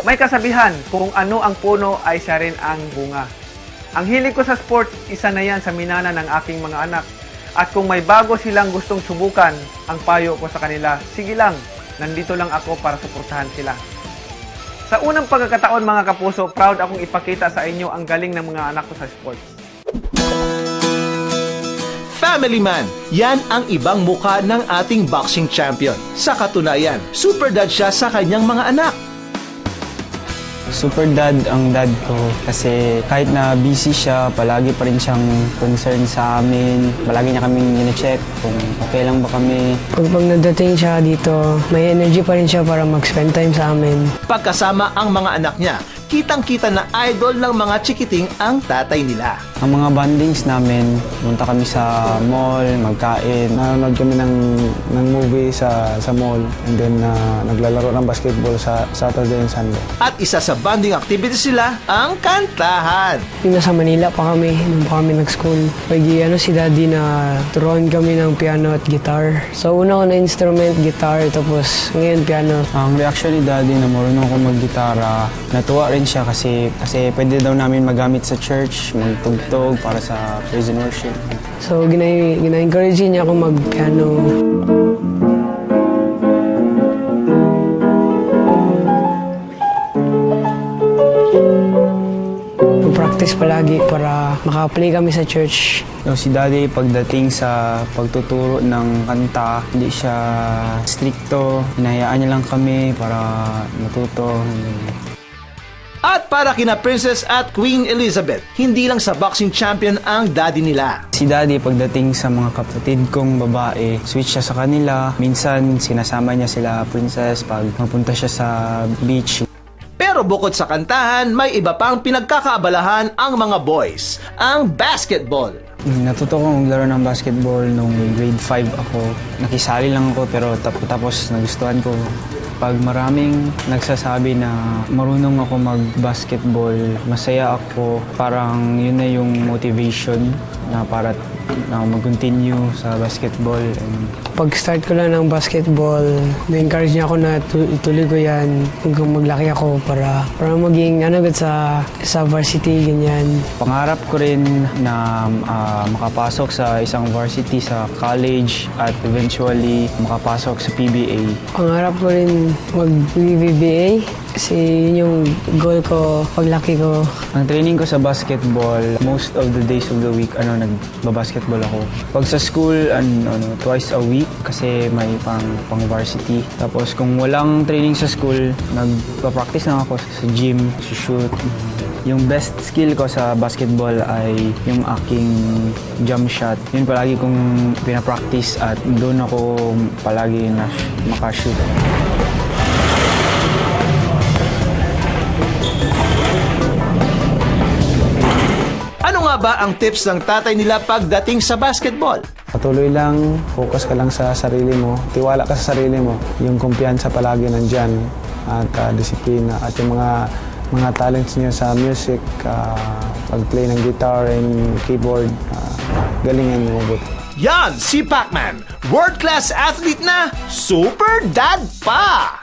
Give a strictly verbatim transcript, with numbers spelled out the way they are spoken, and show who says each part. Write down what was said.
Speaker 1: May kasabihan, kung ano ang puno ay siya rin ang bunga. Ang hilig ko sa sports, isa na yan sa minana ng aking mga anak. At kung may bago silang gustong subukan, ang payo ko sa kanila, sige lang, nandito lang ako para suportahan sila. Sa unang pagkakataon mga kapuso, proud akong ipakita sa inyo ang galing ng mga anak ko sa sports.
Speaker 2: Family Man, yan ang ibang mukha ng ating boxing champion. Sa katunayan, super dad siya sa kanyang mga anak.
Speaker 3: Super dad ang dad ko kasi kahit na busy siya, palagi pa rin siyang concern sa amin. Palagi niya kaming gine-check kung okay lang ba kami.
Speaker 4: Pag, pag nadating siya dito, may energy pa rin siya para mag-spend time sa amin.
Speaker 2: Pagkasama ang mga anak niya, kitang-kita na idol ng mga chikiting ang tatay nila.
Speaker 3: Ang mga bondings namin, punta kami sa mall, magkain.
Speaker 5: Nanonood kami ng, ng movie sa, sa mall and then uh, naglalaro ng basketball sa Saturday and Sunday.
Speaker 2: At isa sa bonding activities sila, ang kantahan.
Speaker 4: Yung nasa Manila pa kami, nung pa kami nag-school. Pag ano si daddy na turuan kami ng piano at guitar. So una ko na instrument, guitar, tapos ngayon piano.
Speaker 3: Ang reaction ni daddy na marunong ako mag-gitara, natuwa rin siya kasi, kasi pwede daw namin magamit sa church, magtugtog para sa praise and worship.
Speaker 4: So gina- gina-encourage niya ako mag-piano. Practice palagi para maka-play kami sa church.
Speaker 3: So, si daddy pagdating sa pagtuturo ng kanta, hindi siya stricto. Hinahayaan niya lang kami para matuto.
Speaker 2: At para kina Princess at Queen Elizabeth, hindi lang sa boxing champion ang daddy nila.
Speaker 3: Si daddy pagdating sa mga kapatid kong babae, switch siya sa kanila. Minsan sinasama niya sila Princess pag mapunta siya sa beach.
Speaker 2: Pero bukod sa kantahan, may iba pang pinagkakaabalahan ang mga boys, ang basketball.
Speaker 3: Natuto ko maglaro ng basketball nung grade five ako. Nakisali lang ako pero tap- tapos nagustuhan ko. Pag maraming nagsasabi na marunong ako mag-basketball, masaya ako. Parang yun na yung motivation na para na mag-continue sa basketball. And
Speaker 4: Pag-start ko lang ng basketball, na-encourage niya ako na tu- ituloy ko yan hanggang maglaki ako para, para maging ano agad sa, sa varsity, ganyan.
Speaker 3: pangarap ko rin na ah, makapasok sa isang varsity sa college at eventually makapasok sa P B A.
Speaker 4: Pangarap ko rin mag-B B A kasi yun yung goal ko paglaki ko.
Speaker 3: Ang training ko sa basketball, most of the days of the week, ano, nagbabasketball ako. Pag sa school, ano, ano, twice a week kasi may pang, pang varsity. Tapos kung walang training sa school, nagpa-practice na ako sa gym, sa shoot. Yung best skill ko sa basketball ay yung aking jump shot. Yun palagi kong pinapractice at doon ako palagi na makashoot.
Speaker 2: Ano nga ba ang tips ng tatay nila pagdating sa basketball?
Speaker 5: Patuloy lang, focus ka lang sa sarili mo, tiwala ka sa sarili mo, yung kumpiyansa palagi nandyan at uh, disiplina at yung mga mga talents niyo sa music, uh, pag-play ng guitar and keyboard, uh, galingan mo mabuti.
Speaker 2: Yan si Pacman, world-class athlete na super dad pa!